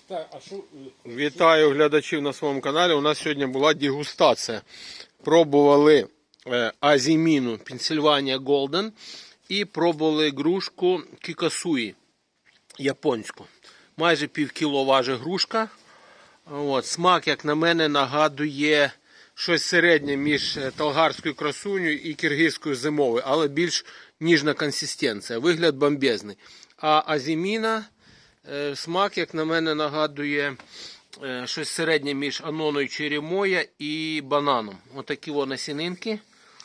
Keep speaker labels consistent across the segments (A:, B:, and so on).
A: Так, а що?
B: Вітаю глядачів на своєму каналі. У нас сьогодні була дегустація. Пробували азіміну Pennsylvania Golden і пробували грушку Кікасуї японську. Майже півкіло важить грушка. От, смак, як на мене, нагадує щось середнє між талгарською красунею і киргизькою зимовою, але більш ніжна консистенція. Вигляд бомбезний. А азіміна, смак, як на мене, нагадує щось середнє між аноною черемоя і бананом. Отакі насінинки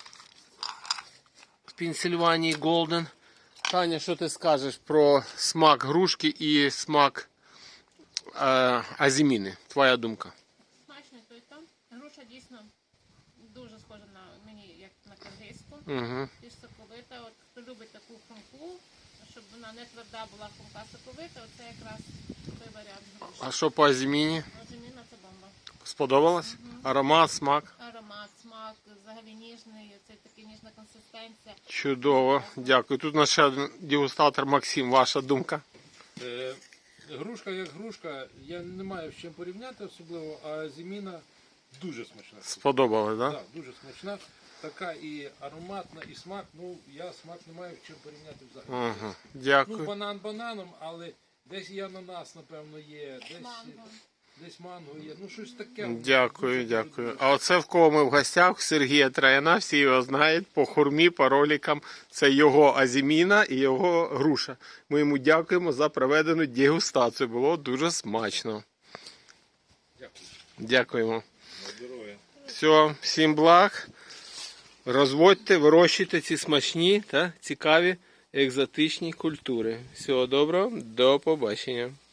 B: в Pennsylvania Golden. Таня, що ти скажеш про смак грушки і смак азіміни? Твоя думка?
C: Смачно той там. Груша дійсно дуже схожа на мені, як на киргизьку.
B: Угу.
C: Більш соковита. От хто любить таку хрумку, щоб вона не тверда була, хрумка соковита, оце якраз той варіант груші.
B: А що по азіміні?
C: Азіміна це бомба.
B: Сподобалось? Аромат, смак?
C: Аромат, смак, взагалі ніжний, це така ніжна консистенція.
B: Чудово, дякую. Тут у нас ще один дегустатор Максим. Ваша думка?
A: Грушка як грушка, я не маю з чим порівняти особливо, а зіміна дуже смачна.
B: Сподобалось, так?
A: Так, дуже смачна. Така і ароматна, і смак. Ну, я смак не маю з чим порівняти взагалі.
B: Ага,
A: Ну,
B: дякую.
A: банан бананом, але десь і ананас, напевно, є,
C: Манго.
A: десь манго є. Ну, щось таке.
B: Дякую,
A: Дуже,
B: дякую.
A: дуже
B: А оце в кого ми в гостях, Сергія Трояна, всі його знають, по хурмі, по роликам. Це його азіміна і його груша. Ми йому дякуємо за проведену дегустацію. Було дуже смачно.
A: Дякую.
B: Дякуємо. Все, всім благ. Розводьте, вирощуйте ці смачні та цікаві екзотичні культури. Всього доброго, до побачення.